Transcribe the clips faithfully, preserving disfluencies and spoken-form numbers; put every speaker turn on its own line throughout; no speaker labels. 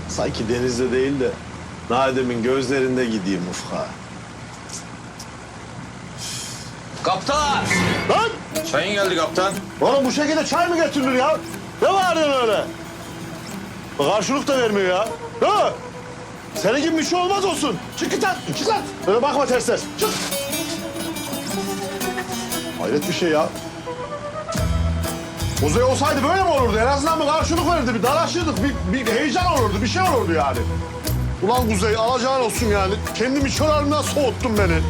Sanki denizde değil de Nadim'in gözlerinde gideyim ufka.
Kaptan!
Lan!
Çayın geldi kaptan.
Oğlum bu şekilde çay mı getirilir ya? Ne bağırıyorsun öyle? Karşılık da vermiyor ya. Değil mi? Senin gibi bir şey olmaz olsun. Çık git lan, çık lan. Öyle bakma ters ters. Çık. Hayret bir şey ya. Kuzey olsaydı böyle mi olurdu? En azından bir karşılık verirdi, bir dalaşırdık, bir, bir heyecan olurdu, bir şey olurdu yani. Ulan Kuzey, alacağın olsun yani. Kendimi çöl halinden soğuttun beni.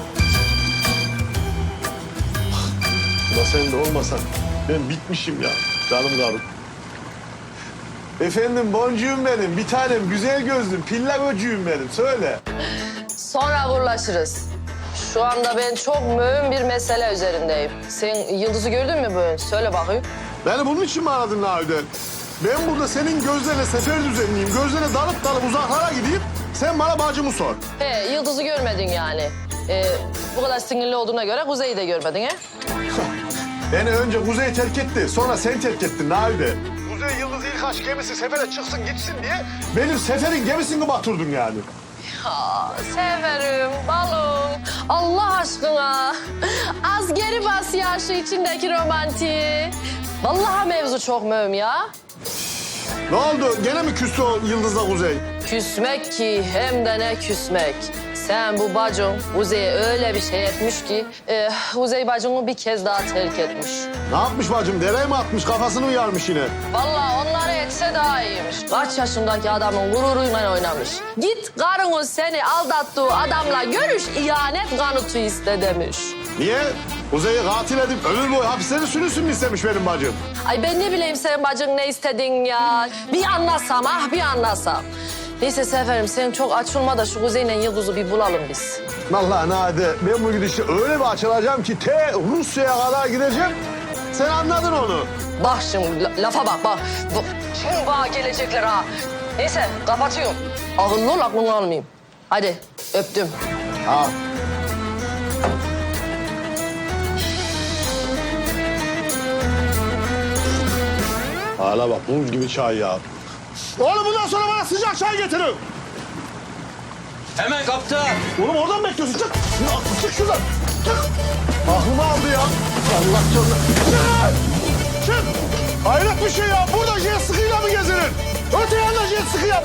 Ulan sen de olmasan ben bitmişim ya, canım karım. Efendim boncuğum benim, bir tanem güzel gözlüm, pilla göcüğüm benim, söyle.
Sonra uğurlaşırız. Şu anda ben çok mühim bir mesele üzerindeyim. Sen Yıldız'ı gördün mü bugün? Söyle bakayım.
Beni bunun için mi aradın Nahide? Ben burada senin gözlerine sefer düzenleyeyim, gözlerine dalıp dalıp uzaklara gideyim, sen bana bacımı sor.
He, Yıldız'ı görmedin yani. Ee, bu kadar sinirli olduğuna göre Kuzey'i de görmedin he?
Beni önce Kuzey terk etti, sonra sen terk ettin Nahide. Kuzey Yıldız ilk aşk gemisi sefere çıksın gitsin diye benim seferin gemisini batırdın yani.
Ya severim balım. Allah aşkına. Az geri bas ya şu içindeki romantiği. Vallahi mevzu çok mühim ya.
Ne oldu? Gene mi küstü o Yıldız'la Kuzey?
Küsmek ki hem de ne küsmek. Sen bu bacın Kuzey'e öyle bir şey etmiş ki... E, Kuzey bacını bir kez daha terk etmiş.
Ne yapmış bacım? Dereye mi atmış? Kafasını uyarmış yine.
Vallahi onları etse daha iyiymiş. Kaç yaşındaki adamın gururuyla oynamış. Git karını seni aldattığı adamla görüş, ihanet kanıtı iste demiş.
Niye? Kuzey'i katil edip ömür boyu hapisleri sürünsün mü istemiş benim bacım?
Ay ben ne bileyim senin bacın ne istedin ya. Bir anlasam ah bir anlasam. Neyse Seferim sen çok açılma da şu Kuzey'le Yıldız'ı bir bulalım biz.
Vallahi Nade ben bu gidişle öyle bir açılacağım ki te Rusya'ya kadar gideceğim. Sen anladın onu.
Bak şimdi la- lafa bak bak. Bu- Şimdi bana gelecekler ha. Neyse kapatıyorum. Akıllı ol aklını almayayım. Hadi öptüm.
Ha. Hala bak buz gibi çay ya. Oğlum bundan sonra bana sıcak çay getirin.
Hemen kaptan.
Oğlum oradan mı bekliyorsun? Çık. Çık şuradan. Çık. Aklımı aldı ya. Allah canına. Çık. Çık. Hayret bir şey ya. Burada jet ski'yle mi gezilir? Öte yanda jet ski